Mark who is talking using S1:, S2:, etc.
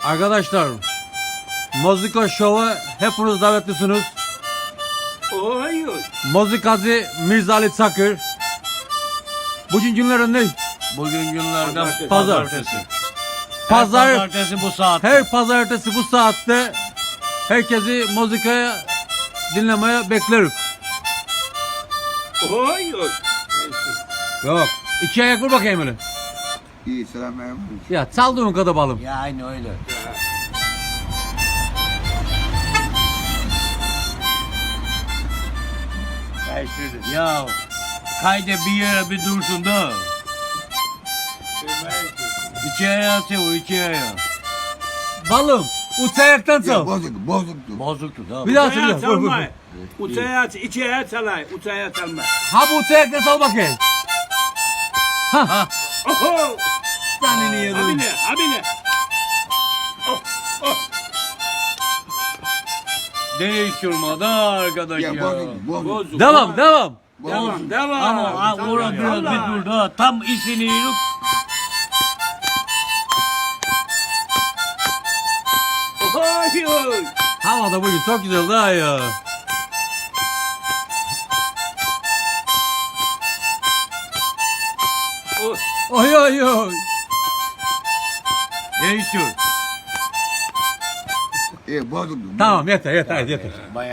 S1: Arkadaşlar, Moziko Show'a hepiniz davetlisiniz.
S2: Hayır.
S1: Mozikacı Mirza Ali Çakır. Bugün günlerden ne?
S3: Bugün günlerden
S1: Pazartesi.
S3: Pazartesi bu saatte.
S1: Her pazartesi bu saatte herkesi muzikaya dinlemeye bekleriz.
S2: Hayır.
S1: Yok. İki ayak vur bakayım öyle.
S4: İyi selamünaleyküm.
S1: Ya çaldığın kadar balım.
S3: Ya aynı öyle. Ya kayda bir yere bir dursun da. İki ayağı çevir, iki ayağı.
S1: Balım. Uç ayaktan
S4: Ya
S1: çal.
S4: bozuktu.
S3: Bozuktu da.
S1: Bir daha
S2: Uçaya
S1: söyle. Vur, vur, vur.
S2: çalma. Uçaya içeye çalay. Uçaya çalma.
S1: Ha bu uç ayaktan çal bakayım. Ha.
S2: Oho.
S1: Sen niye yedim?
S2: Abine. Abine.
S3: Değiştirmedi arkadaş ya.
S4: Ya bozuktu.
S2: Bozuk.
S1: Devam, devam.
S2: Devam. Devam.
S3: Ama orada biraz bir dur da tam işini yürüp
S2: Hayır.
S1: Hava da bugün çok güzel daha ya. Oy oy oy.
S3: değiştir.
S4: Bozuktu.
S1: Tamam yeter yeter yeter.
S3: Bayağı